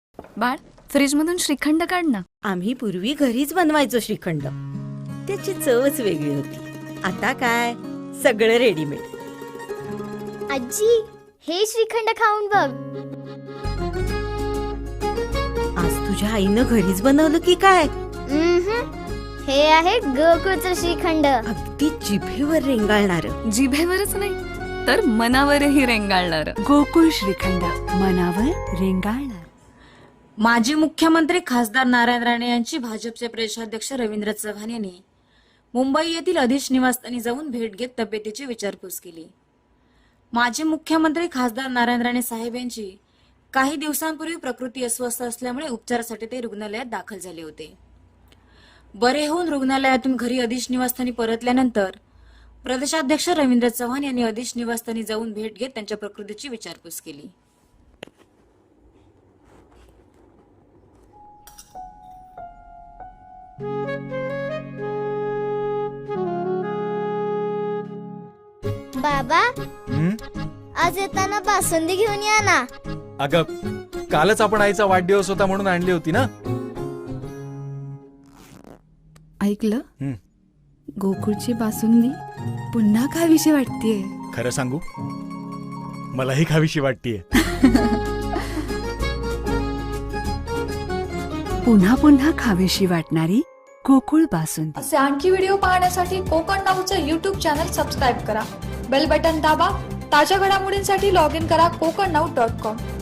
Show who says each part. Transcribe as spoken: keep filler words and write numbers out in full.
Speaker 1: बाळ, फ्रीज मधून श्रीखंड काढ ना.
Speaker 2: आम्ही पूर्वी घरीच बनवायचो श्रीखंड. त्याची चवच वेगळी होती. आता काय सगळं रेडीमेड.
Speaker 3: आजी, हे श्रीखंड खाऊन बघ.
Speaker 2: आज तुझ्या आईनं घरीच बनवलं की काय?
Speaker 3: उम्हम. हे आहे गोकुळचं श्रीखंड.
Speaker 2: अगदी जिभेवर रेंगाळणार.
Speaker 1: जिभेवरच नाही तर मनावरही रेंगाळणार.
Speaker 4: गोकुळ श्रीखंड, मनावर रेंगाळणार.
Speaker 5: माजी मुख्यमंत्री खासदार नारायण राणे यांची भाजपचे प्रदेशाध्यक्ष रवींद्र चव्हाण यांनी मुंबई येथील अधिश निवासस्थानी जाऊन भेट घेत तब्येतीची विचारपूस केली. माजी मुख्यमंत्री खासदार नारायण राणे साहेब यांची काही दिवसांपूर्वी प्रकृती अस्वस्थ असल्यामुळे उपचारासाठी ते रुग्णालयात दाखल झाले होते. बरे होऊन रुग्णालयातून घरी अधिश निवासस्थानी परतल्यानंतर प्रदेशाध्यक्ष रवींद्र चव्हाण यांनी अधिश निवासस्थानी जाऊन भेट घेत त्यांच्या प्रकृतीची विचारपूस केली.
Speaker 3: बाबा,
Speaker 6: हं?
Speaker 3: आज येताना बासुंदी घेऊन या ना.
Speaker 6: अगं, कालच आपण आईचा वाढदिवस होता म्हणून आणली होती ना.
Speaker 4: ऐकलं?
Speaker 6: हं.
Speaker 4: गोकुळची बासुंदी पुन्हा खावीशी वाटतेय.
Speaker 6: खरं सांगू, मलाही खावीशी वाटतीये.
Speaker 4: पुन्हा पुन्हा खावीशी वाटणारी गोकुळ बासुंदी.
Speaker 7: असे आणखी व्हिडिओ पाहण्यासाठी कोकण नाऊचं यूट्यूब चॅनल सबस्क्राईब करा. बेल बटन दाबा. ताज्या घडामोडींसाठी लॉग इन करा कोकण नाऊ डॉट कॉम.